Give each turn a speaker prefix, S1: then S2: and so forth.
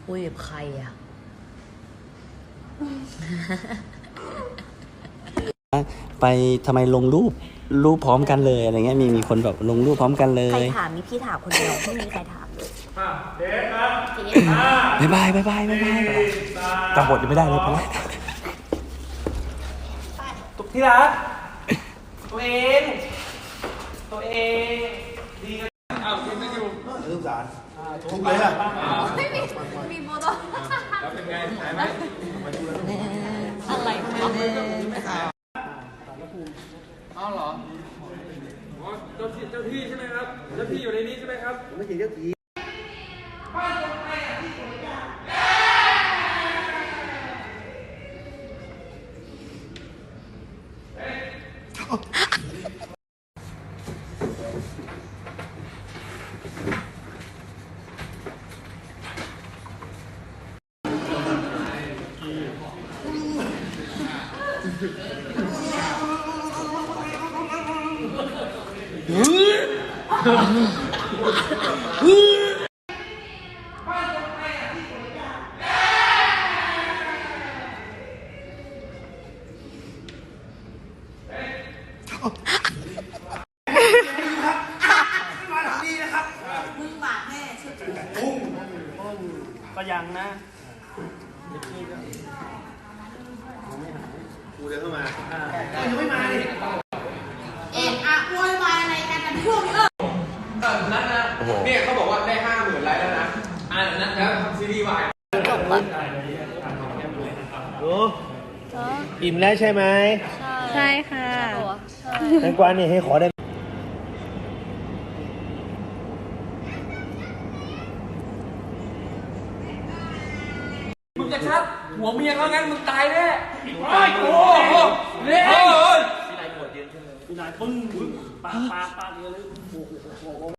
S1: คุยกับใครอ่ะ
S2: ไปทำไมลงรูปพร้อมกันเลยอะไรเงี้ยมีคนแบบลงรูปพร้อมกันเล
S1: ใคร
S2: ย
S1: ถามมีพี่ถามคนเดียวไม่มีใครถามเลย
S3: เด็กครับ
S1: เจ๊
S2: บายบายจำบทยังไม่ได้เลยพอแล้ว
S3: ที่รักตัวเองดีกันอ้าวยังไม่อยู่ลูกสารทุกเลยอ่ะ
S1: ไม่มีโมโต้
S3: แล้วเป็นไงหายไหม
S1: อะไรวะ
S3: อ้าวเหรออ๋อเจ้าที่ใช่ไหมครับเจ้าที่อยู่ในนี้ใช่ไหมครับไม่ใช่เจ้าที่ก็ยังนะกูเดินเข้ามายังไม่มาดิ
S4: โวยวายอะไรกันกันพวกนี้
S3: นัดนะเนี่ยเขาบอกว่าได้50,000ไลค์แล้วนะนัดแล้วทำซีรีส์วาย
S1: จบปะ
S5: อิ่มแล้วใช่ไหม
S1: ใช่ค่ะ
S5: แตงกวานี่ให้ขอได้
S3: มึงจะชักหัวเมียเขางั้นมึงตายแน่ไอ้โอ้โหเนี่ยมีนายปวดเย็นใช่ไหมมีนายปึ้งปากเยอะเลย